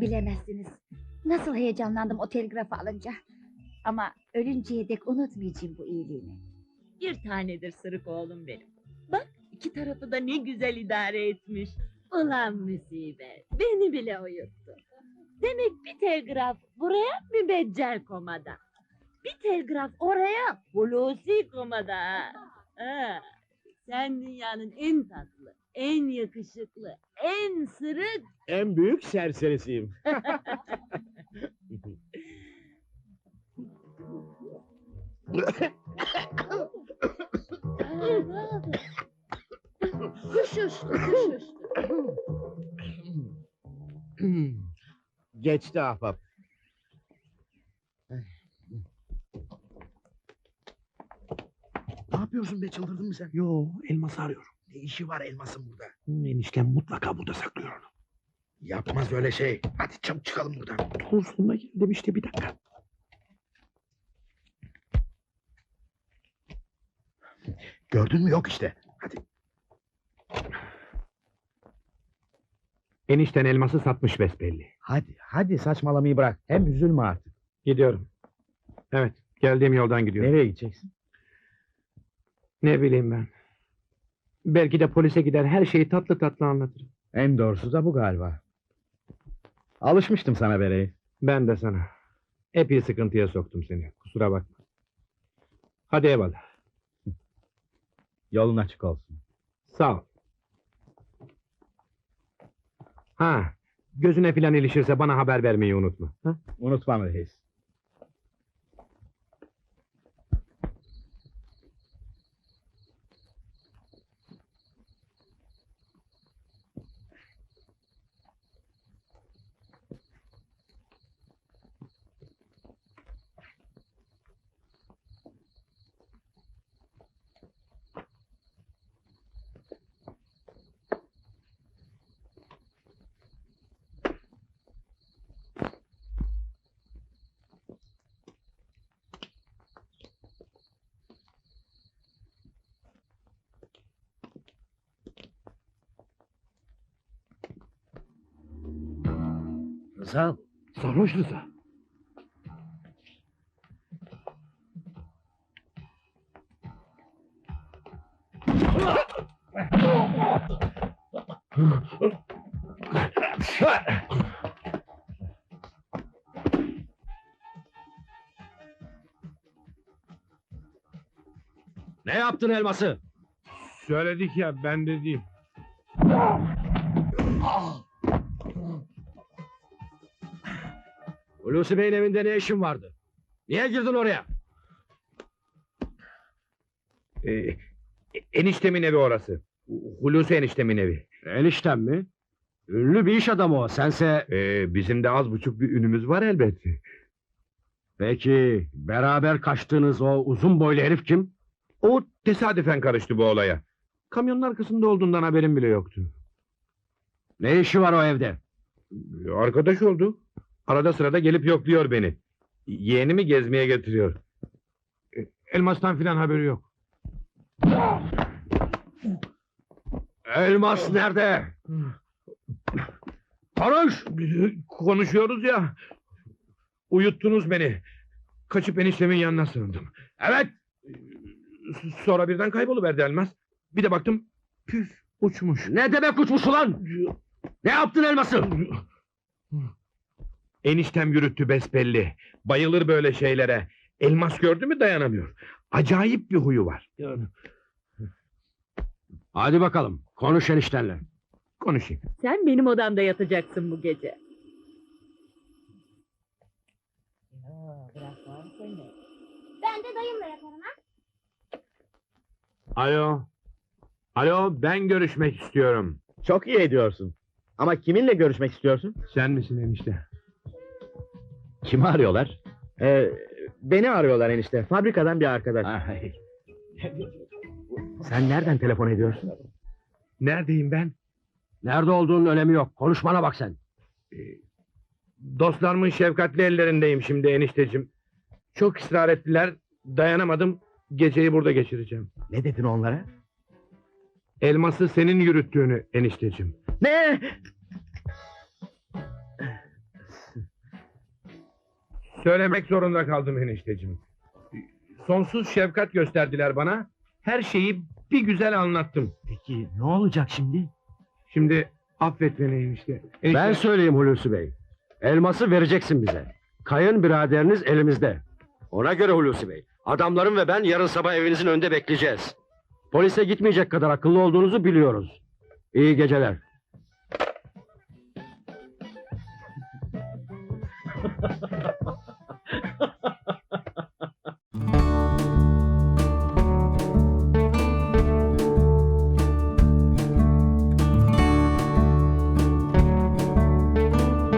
Bilemezsiniz. Nasıl heyecanlandım o telgrafı alınca. Ama ölünceye dek unutmayacağım bu iyiliğini. Bir tanedir sırık oğlum benim. Bak, iki tarafı da ne güzel idare etmiş. Ulan musibet, beni bile uyuttu. Demek bir telgraf buraya mübeccel komada. Bir telgraf oraya Hulusi komada. Ha, sen dünyanın en tatlı, en yakışıklı, en sırık... En büyük serserisiyim. Kuş uçtu, kuş uçtu. Geçti ahbap. Ne yapıyorsun be, çıldırdın mı sen? Yo, elması arıyorum. Ne işi var elmasın burada? Eniştem mutlaka burada saklıyor onu. Yapmaz öyle şey. Hadi çabuk çıkalım buradan. Dur, sonuna geldim işte, bir dakika. Gördün mü, yok işte. Hadi. Enişten elması satmış besbelli. Hadi saçmalamayı bırak. Hem üzülme artık. Gidiyorum. Evet, geldiğim yoldan gidiyorum. Nereye gideceksin? Ne bileyim ben. Belki de polise gider, her şeyi tatlı tatlı anlatırım. En doğrusu da bu galiba. Alışmıştım sana be reis. Ben de sana. Epey sıkıntıya soktum seni. Kusura bakma. Hadi eyvallah. Yolun açık olsun. Sağ ol. Ha, gözüne filan ilişirse bana haber vermeyi unutma. Ha? Unutmam reis. Rıza, Sarhoş Rıza. Ne yaptın elması? Söyledik ya, ben de değil. Hulusi Bey'in evinde ne işin vardı? Niye girdin oraya? Eniştemin evi orası. Hulusi eniştemin evi. Enişten mi? Ünlü bir iş adamı o. Sense... Bizim de az buçuk bir ünümüz var elbette. Peki beraber kaçtığınız o uzun boylu herif kim? O tesadüfen karıştı bu olaya. Kamyonun arkasında olduğundan haberim bile yoktu. Ne işi var o evde? Arkadaş oldu. Arada sırada gelip yokluyor beni. Yeğenimi gezmeye getiriyor. Elmastan filan haberi yok. Elmas nerede? Konuş! Konuşuyoruz ya. Uyuttunuz beni. Kaçıp eniştemin yanına sığındım. Evet! Sonra birden kayboluverdi elmas. Bir de baktım, püf, uçmuş. Ne demek uçmuş ulan? Ne yaptın elması? Eniştem yürüttü besbelli. Bayılır böyle şeylere. Elmas gördü mü dayanamıyor. Acayip bir huyu var. Hadi bakalım, konuş eniştenle. Konuşayım. Sen benim odamda yatacaksın bu gece. Ben de dayımla yatarım ha. Alo. Alo, ben görüşmek istiyorum. Çok iyi ediyorsun. Ama kiminle görüşmek istiyorsun? Sen misin enişte? Kimi arıyorlar? Beni arıyorlar enişte. Fabrikadan bir arkadaş. Sen nereden telefon ediyorsun? Neredeyim ben? Nerede olduğunun önemi yok. Konuşmana bak sen. Dostlarımın şefkatli ellerindeyim şimdi enişteciğim. Çok ısrar ettiler, dayanamadım. Geceyi burada geçireceğim. Ne dedin onlara? Elması senin yürüttüğünü enişteciğim. Ne? Söylemek zorunda kaldım enişteciğim. Sonsuz şefkat gösterdiler bana. Her şeyi bir güzel anlattım. Peki ne olacak şimdi? Şimdi affet beni enişte. Ben söyleyeyim Hulusi Bey. Elması vereceksin bize. Kayın biraderiniz elimizde. Ona göre Hulusi Bey. Adamlarım ve ben yarın sabah evinizin önünde bekleyeceğiz. Polise gitmeyecek kadar akıllı olduğunuzu biliyoruz. İyi geceler.